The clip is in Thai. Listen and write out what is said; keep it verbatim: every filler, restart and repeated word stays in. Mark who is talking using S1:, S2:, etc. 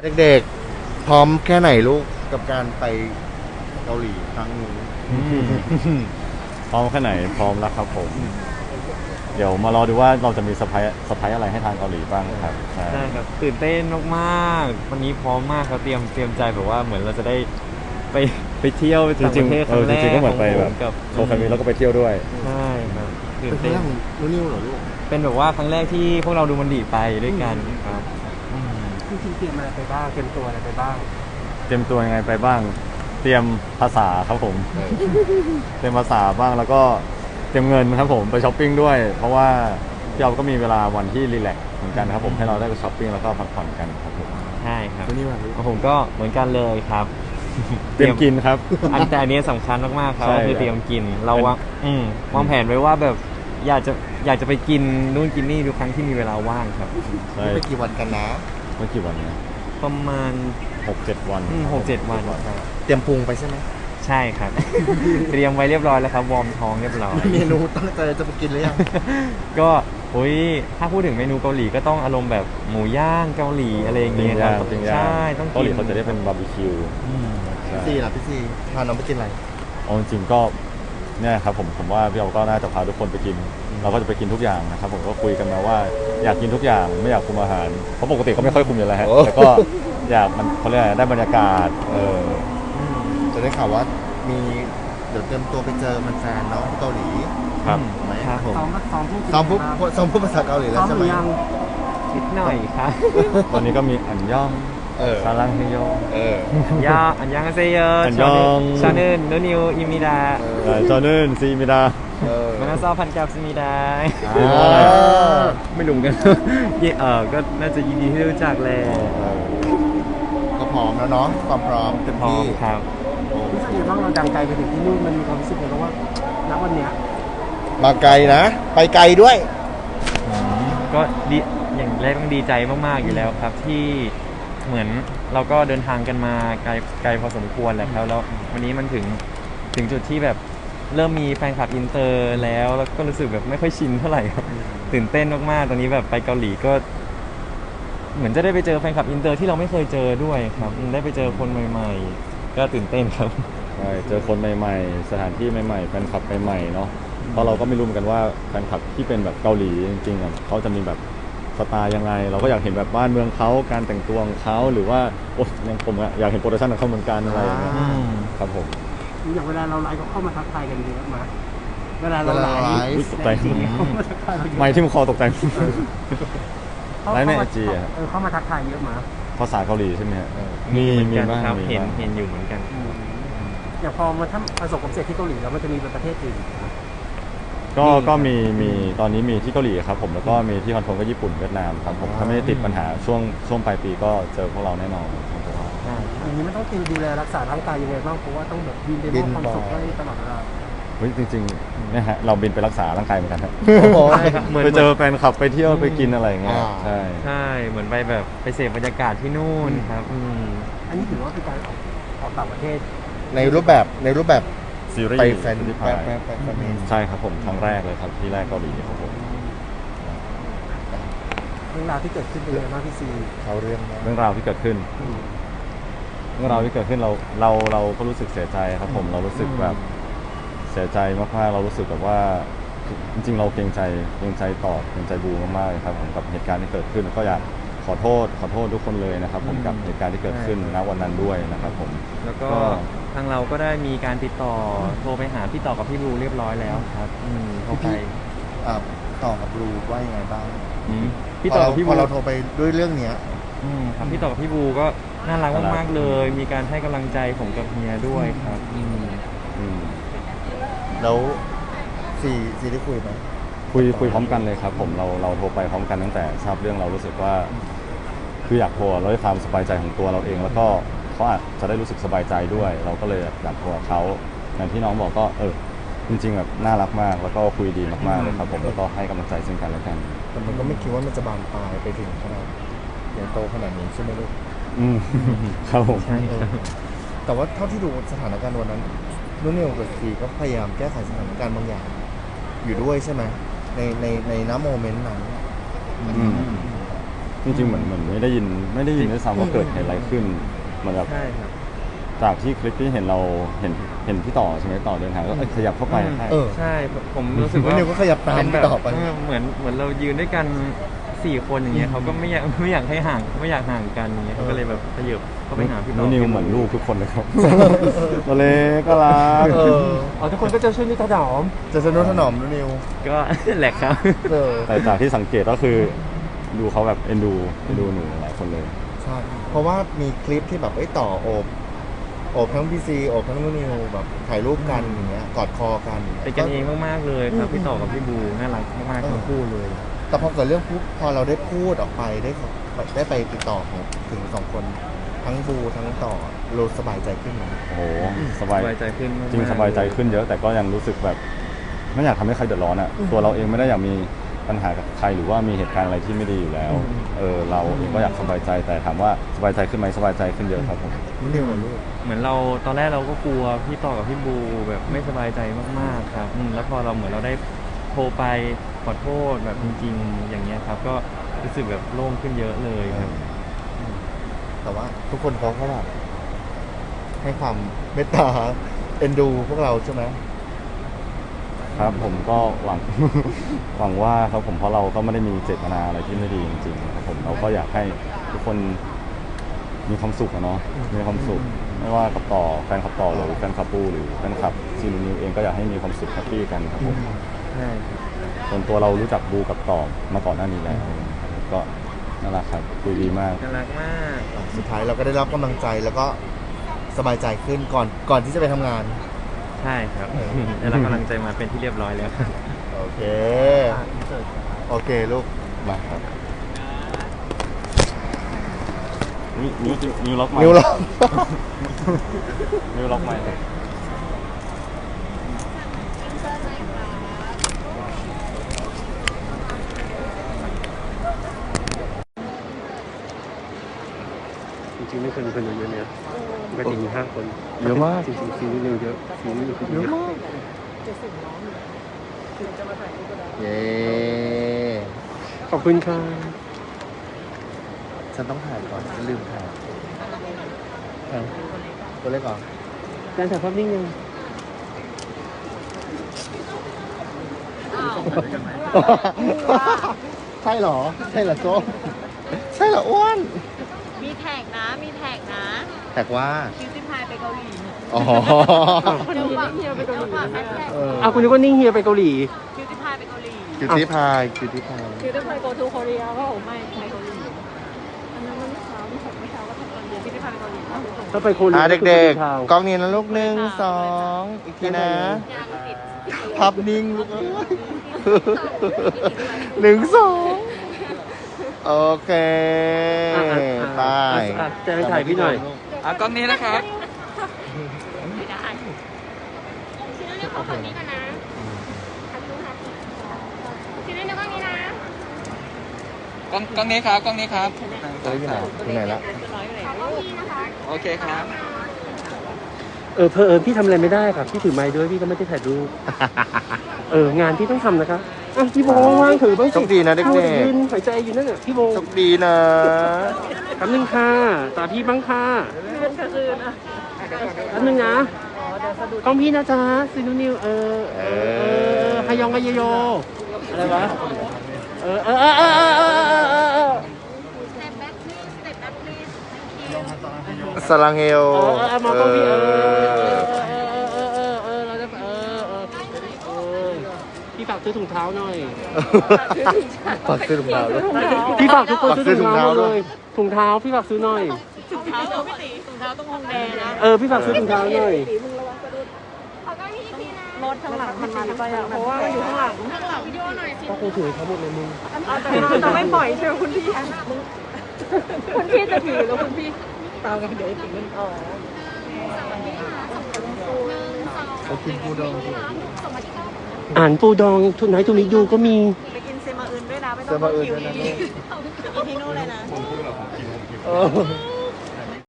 S1: เด็กๆพร้อมแค่ไหนลูกกับการไปเกาหลีครั้งนี้
S2: พร้อมแค่ไหนพร้อมแล้วครับผมเดี๋ยวมารอดูว่าเราจะมีเซอร์ไพรส์เซอร์ไพรส์อะไรให้ทางเกาหลีบ้างครับ
S3: ใช่ครับตื่นเต้นมากๆวันนี้พร้อมมากครับเตรียมเตรียมใจแบบว่าเหมือนเราจะได้ไปไปเที่ยวต่างประเทศครั้งแรก
S2: จริงๆก็เหมือนไปแบบ
S3: กับ
S2: โชว์แฟนมีแล้วก็ไปเที่ยวด้วย
S3: ใช่ครับตื่
S1: เป็น น
S3: เต้น
S1: เรื่องนุ่นนิวเหรอลูก
S3: เป็นแบบว่าครั้งแรกที่พวกเราดูมันดีไปด้วยกันครับ
S4: จริงๆเตรียมอะไรไปบ้างเตรียมตัวอะไรไปบ้าง
S2: เตรียมตัวยังไงไปบ้างเตรียมภาษาครับผมเตรียมภาษาบ้างแล้วก็เตรียมเงินครับผมไปช้อปปิ้งด้วยเพราะว่าพี่เราก็มีเวลาวันที่รีแลกซ์เหมือนกันครับผมให้เราได้ไปช้อปปิ้งแล้วก็พักผ่อนกันครับผม
S3: ใช่ครับ
S1: นุ่นนิวอะลูก
S3: ผมก็เหมือนกันเลยครับ
S2: เตรียมกินครับ
S3: อันแต่อันนี้สำคัญมากๆครับ
S2: ใช่
S3: คือเตรียมกินเราวางอืมวางแผนไว้ว่าแบบอยากจะอยากจะไปกินนู่นกินนี่ทุกครั้งที่มีเวลาว่างครับ
S2: ใช่
S1: ไปกี่วันกันนะ
S2: เมื่อกี่วันเนี่ย
S3: ประมาณ
S2: หกเจ็ดวัน
S3: หกเจ็ดวันครับ
S1: เตรียมปรุงไปใช่ไหม
S3: ใช่ครับ เตรียมไว้เรียบร้อยแล้วครับวอร์มท้องเรียบร้อย
S1: เมนูตั้งใจจะไปกินหรือยัง
S3: ก็โอ้ยถ้าพูดถึงเมนูเกาหลีก็ต้องอารมณ์แบบหมูย่างเกาหลีอะไรอย่างเงี้ยครับใช่ต้องกิน
S2: เกาหลีเขาจะได้เป็นบาร์บีคิว
S1: พี่ซีล่ะพี่ซีพาน้องไปกินอะไร
S2: เอาจริงๆก็เนี่ยครับผมผมว่าพี่เราก็น่าจะพาทุกคนไปกินเราก็จะไปกินทุกอย่างนะครับผมก็คุยกันมาว่าอยากกินทุกอย่างไม่อยากคุมอาหารเพราะปกติก็ไม่ค่อยคุมอยู่แล้วฮะแต่ก็อยากมันเขาเรียกได้บรรยากาศเออ
S1: จะได้ข่าวว่ามีเดี๋ยวเตรียมตัวไปเจอมันแฟนเนาะที่เกาหลี
S2: ครับ
S1: ไหม
S3: ครับผม
S4: ซ้อมซ้อมพูด
S1: ซ้อมพูดซ้อมพูดภาษาเกาหลีแล้วใช่ไหม
S3: นิดหน่อยครับ
S2: ตอนนี้ก็มีอันย่องซาลังเฮโย
S3: ยาอันยังเซโย
S2: อันยอง
S3: ชาเนินโนนิวอิมิดา
S2: ชาเนินซีมิดา
S3: มันก็ซอพันกับซีมิดาไม่รู้กันเออก็น่าจะยินดีที่รู้จักเลย
S1: ก็พร้อมแล้วเนาะความพร้อมเต็มที่
S3: ครับ
S4: รู้สึกยังไงบ้างเราดังไกลไปถึงที่นู่นมันมีความรู้สึกไงบ้างว่าณวันเนี้ย
S1: มาไกลนะไปไกลด้วย
S3: ก็ดีอย่างแรกต้องดีใจมากๆอยู่แล้วครับที่เหมือนเราก็เดินทางกันมาไกลไกลพอสมควรแหละครับแล้ววันนี้มันถึงถึงจุดที่แบบเริ่มมีแฟนคลับอินเตอร์แล้วแล้วก็รู้สึกแบบไม่ค่อยชินเท่าไหร่ครับตื่นเต้นมากๆตอนนี้แบบไปเกาหลีก็เหมือนจะได้ไปเจอแฟนคลับอินเตอร์ที่เราไม่เคยเจอด้วยครับได้ไปเจอคนใหม่ๆก็ตื่นเต้นครับ
S2: ใช่เจอคนใหม่ๆสถานที่ใหม่ๆแฟนคลับใหม่ๆเนาะเพราะเราก็ไม่รู้เหมือนกันว่าแฟนคลับที่เป็นแบบเกาหลีจริงๆอ่ะเขาจะมีแบบสไตล์ยังไงเราก็อยากเห็นแบบบ้านเมืองเขาการแต่งตัวของเขาหรือว่าโอ้ยังผมอะอยากเห็นโปรดักชั่นของเขาเหมือนกันอะไรอย่างเงี้ยครับผม
S4: อย่างเวลาเราไลฟ์ก็เข้ามาทักทายกันเยอะมากเวลาเราไลฟ์
S2: ตกใจไม่ที่มันคอตกใจไลฟ์ในไอจีอะ
S4: เข้ามาทักทายเยอะมาก
S2: ภาษาเกาหลีใช่ไหมฮะ
S3: มีมีบ้างเห็นเห็นอยู่เหมือนกัน
S4: อย่างพอมาถ้าประสบความสำเร็จที่เกาหลีแล้วมันจะมีประเทศอื่น
S2: ก็ก็มีมีตอนนี้มีที่เกาหลีครับผมแล้วก็มีที่คอนโทรลก็ญี่ปุ่นเวียดนามครับผมถ้าไม่ได้ติดปัญหาช่วงช่วงปลายปีก็เจอพวกเราแน่นอน
S4: อย่างนี้มันต้องดูแลรักษาร่างกายยังไงบ้างเพราะว่าต้องแบบบินไปมอบความสุขให้ตลอดเวลา
S2: เฮ้ยจริงๆเนี่ยฮะเราบินไปรักษาร่างกายเหมือนกันครับไปเจอแฟนคลับไปเที่ยวไปกินอะไรอย่างเงี้ยใช่
S3: ใช่เหมือนไปแบบไปเสพบรรยากาศที่นู่นครับ
S4: อันนี้ถือว่าเป็นการออกออกต่างประเทศ
S1: ในรูปแบบในรูปแบบ
S2: ซีรีส์
S1: ไปแฟน
S2: ที่
S1: ไปไปไปแฟน
S2: ใช่ครับผมครั้งแรกเลยครับที่แรกเกาหลีครับผม
S4: เรื่องราวที่เกิดขึ้นเป็นยังไงบ้างพี่ซี
S1: เขาเรื่อง
S2: เรื่องราวที่เกิดขึ้นเรื่องราวที่เกิดขึ้นเราเราเราก็รู้สึกเสียใจครับผมเรารู้สึกแบบเสียใจมากๆเรารู้สึกแบบว่าจริงๆเราเกรงใจเกรงใจต่อเกรงใจบูมากๆเลยครับผมกับเหตุการณ์ที่เกิดขึ้นก็อยากขอโทษขอโทษทุกคนเลยนะครับผมกับเหตุการณ์ที่เกิดขึ้นณวันนั้นด้วยนะครับผม
S3: แล้วก็ทางเราก็ได้มีการติดต่อโทรไปหาพี่ต่อกับพี่บูเรียบร้อยแล้วครับอืมโทรไป
S1: ต่อกับบูว่ายังไงบ้าง
S3: พี่ต่อกับพี่บู
S1: พอเราโทรไปด้วยเรื่องเนี้ย
S3: อืมครับพี่ต่อกับพี่บูก็น่ารักมากๆเลยมีการให้กำลังใจผมกับเมียด้วยครับอืม
S2: อืม
S1: แล้วซีซีได้คุยไหม
S2: คุยคุยพร้อมกันเลยครับผมเราเราโทรไปพร้อมกันตั้งแต่ทราบเรื่องเรารู้สึกว่าคืออยากโทรแล้วด้วยความสบายใจของตัวเราเองแล้วก็เขาอาจจะได้รู้สึกสบายใจด้วยเราก็เลยอยากโทรเขาอย่างที่น้องบอกก็เออจริงๆแบบน่ารักมากแล้วก็คุยดีมากๆเลยครับผมแล้วก็ให้กำลังใจซึ่งกันและกัน
S1: แต่มันก็ไม่คิดว่ามันจะบานปลายไปถึงขนาดใหญ่โตขนาดนี้ใช่ไหมลูก
S2: อืมครับผม
S1: แต่ว่าเท่าที่ดูสถานการณ์วันนั้นนุ่นนิวกับซีก็พยายามแก้ไขสถานการณ์บางอย่างอยู่ด้วยใช่ไหมในในในน้ำโมเมนต์นั้น
S2: จริงๆเหมือนเหมือนไม่ได้ยินไม่ได้ยินด้วยซ้ำว่าเกิดเหตุอะไรขึ้นเหมือนแบบ
S3: ใช่ครับ
S2: จากที่คลิปที่เห็นเราเห็นเห็นพี่ต่อใช่ไหมต่อเดินทางก็เอ้ยขยับเข้าไปให้
S1: เออ
S3: ใช่ผมรู้สึก
S1: นุ่น
S3: ว่า
S1: นิวก็ขยับตาม
S3: เป็นแบบ
S1: ต่อไป
S3: เออเหมือนเหมือนเรายืนด้วยกันสี่คนอย่างเงี้ยเขาก็ไม่อยากไม่อยากให้ห่างไม่อยากห่างกันอย่างเงี้ยเขาก็เลยแบบขยับเข้าไปหาพี่ต่
S2: นุ
S3: อ
S2: นิวเหมือนลูกทุกคนเลยครับ ตัวเล็กก็รัก
S1: เออ
S4: อ๋อทุกคนก็จะช่วยนิดถนอม
S1: จะสนุนถนอมนุ่นนิว
S3: ก็ แหละครับ
S1: เออ
S2: แต่จากที่สังเกตก็คือดูเขาแบบเอ็นดูเอ็นดูหนูหลายคนเลย
S1: ใช่เพราะว่ามีคลิปที่แบบไอ้ยต่อโอบโอบทั้งพีซีโอบทั้งนุ่นนิวแบบถ่ายรูปกันอย่างเงี้ยกอดคอกัน
S3: เป็นกันเองมากๆเลยครับพี่ต่อกับพี่บูน่ารักมากๆทั้งคู่เลย
S1: แต่พอเกิดเรื่องปุ๊บพอเราได้พูดออกไปได้ขอได้ไปติดต่อของถึงสองคนทั้งบูทั้งต่อเราสบายใจขึ้นไหม
S2: โอ้โหส
S3: ส
S2: บาย
S3: บายใจขึ้นมากๆ
S2: จริงสบายใจขึ้นเยอะ แต่ก็ยังรู้สึกแบบไม่อยากทำให้ใครเดือดร้อนอ่ะตัวเราเองไม่ได้อยากมีปัญหากับใครหรือว่ามีเหตุการณ์อะไรที่ไม่ดีอยู่แล้วเออเราเองก็อยากสบายใจแต่ถามว่าสบายใจขึ้นไหมสบายใจขึ้นเยอะครับผม
S1: นุ่นนิวเหรอลูก
S3: เหมือนเราตอนแรกเราก็กลัวพี่ต่อกับพี่บูแบบไม่สบายใจมากๆครับอืมแล้วพอเราเหมือนเราได้โทรไปขอโทษแบบจริงๆ อย่างเงี้ยครับ ก็รู้สึกแบบโล่งขึ้นเยอะเลยครับ
S1: แต่ว่าทุกคนเขาก็แบบให้ความเมตตาเอ็นดูพวกเราใช่ไหม
S2: ครับผมก็หวัง หวังว่าครับผมเพราะเราก็ไม่ได้มีเจตนาอะไรที่ไม่ดีจริงๆครับผมเราก็อยากให้ทุกคนมีความสุขอะเนาะมีความสุขไม่ว่ากับต่อแฟนคลับต่อหรือแฟนคลับปูหรือแฟนคลับซีนูนิวเองก็อยากให้มีความสุขแฮปปี้กันครับผม
S3: ใช่ครับ
S2: ส่วนตัวเรารู้จักบูกับต่อมาก่อนหน้านี้แล้วก็น่ารักครับคุยดีมาก
S3: น่ารักมาก
S1: สุดท้ายเราก็ได้รับกำลังใจแล้วก็สบายใจขึ้นก่อนก่อนที่จะไปทำงาน
S3: ใช่ครับได้รับกำลังใจมาเป็นที่เรียบร้อยแล้วครับ
S1: โอเค โอเคลูก
S2: มาครับนิ้วนิ้วนิ้วล็อกไม้
S1: นิ้วเรา
S2: นิ้วล็อกไม้ครับ
S4: จริงๆไม่เคยมีคนเยอะเนี่ยปกติมีห้าคน
S2: เยอะมาก
S4: จริงๆซีรีส์เร็วเยอะซีรีส์เร็ว
S1: เยอะมาก เย้
S4: ขอบคุณค่ะ
S1: ฉันต้องถ่ายก่อนฉันลืมถ่ายตัวเล็กก่อน
S4: การถ่ายภาพนิ่งยัง
S1: ใช่เหรอ ใช่เหรอโซ่ใช่เหรออ้วน
S5: มีแท็กนะ มีแท็กนะ
S1: แท็กว่า
S5: คิวซิพายไปเกาหลีเนี่ย
S1: อ๋อ
S5: เดี๋ยวฝากเฮียไปเกาหลีแฮชแท็ก
S1: เออ
S4: อ้าวคุณนึกว่านิ่งเฮียไปเกาหลี
S5: คิวซิพายไปเกาหลี
S1: คิวตี้พายคิวตี้พาย
S5: คิวซิพาย go to Korea ก็โอ้ไม่ไปเกาหลีอันนั้นมันเมื่อเช้าไม่ใช่เมื่อเช้าก็ทำตอนเย็นคิวซิพายไปเกาหลีก็ไปส่ง
S4: ถ้าไปโคเรีย
S1: อ่ะ
S4: ก็คือ
S1: เด็ก
S4: ทาวน์
S1: ๆ กล้องนี้นะลูกหนึ่งสองอีกทีนะ
S5: ยังติด
S1: ภาพนิ่งลูกเอ้ยหนึ่งสองโอเค
S4: อ่ะอ่ะ
S1: ไป
S4: อ่ะจะให้ถ่ายพี่หน่อย
S6: อ่ะกล้องนี้นะครับ
S5: ไม่ได้ชิ้นนี้ขอฝั่งนี้ก่อนนะทักดูทักชิ้นนี้ในกล้องนี้นะ
S6: กล้องกล้องนี้ครับ กล้องนี้ครับ
S1: เอ้ยอยู่ไหนอยู่ไหนละ
S5: ร้อยเลยขอกล้องนี้นะคะ
S6: โอเคครับ
S4: เออเพอเอิญพี่ทำอะไรไม่ได้ครับพี่ถือไม้ด้วยพี่ก็ไม่ได้ถ่ายรูป เอองานพี่ต้องทำนะคะอ่ะพี่โบว่างถือบ้างสิ
S1: โชคดีนะเด็กๆ
S4: ข้ายืนหายใจอยู่นั่นน่ะพี่โบ
S1: โชคดีนะ
S4: แป๊บนึงค่ะตาพี่บ้างค่ะ
S5: คืนก็คืนอ่ะ
S4: แป๊บนึงนะกล้องพี่นะจ๊ะซีนูนิวเออเออเออฮายองกายโยอะไรวะเออเออเออเออเออเออเออเออ
S5: step back please step back please thank you
S1: สลังเฮล
S4: เออเออมากล้องพี่เออเออเออเออเออเราจะเออเออเออพี่ฝากซื้อถุงเท้าหน่อย
S1: ฝากซื้อถุงเท้าด้วย
S4: พี่ฝากทุกคนซื้อถุงเท้า
S1: ฝากซื้อถุงเท้า
S4: เล
S1: ด้วย
S4: ยถุงเท้าพี่ฝากซื้อหน่อย
S5: ถุงเท้าตัวพี่ตีถุงเท้าต้องฮงแดงนะ
S4: เออพี่ฝากซื้อถุงเท้าหน่อย
S5: เขาก็พี่ทีนะรถข้างหลังมันมาไปอ่ะเพราะว่ามันอยู่ข้างหลังข้างหลังวิดีโอหน่อยสิ
S4: ก็คงถือเขาหมดเลยมึง
S5: แต่จะไม่ปล่อยใช่ไหมคุณพี่คุณพี่จะถือแล้วคุณพี่ตามกันเดี๋ยวถึงมันอ๋อ
S1: เขากินปูดอง
S4: อ่านปูดองทุนไหนทุนนี้ดูก็มี
S5: ไปกินเซมาอื่นด้วยนะไม่
S1: เซ
S5: ต้อง
S1: มาอื่น
S5: คิว
S1: ด้วยนะ
S5: อีกที่นู่นเลยนะ
S1: เออ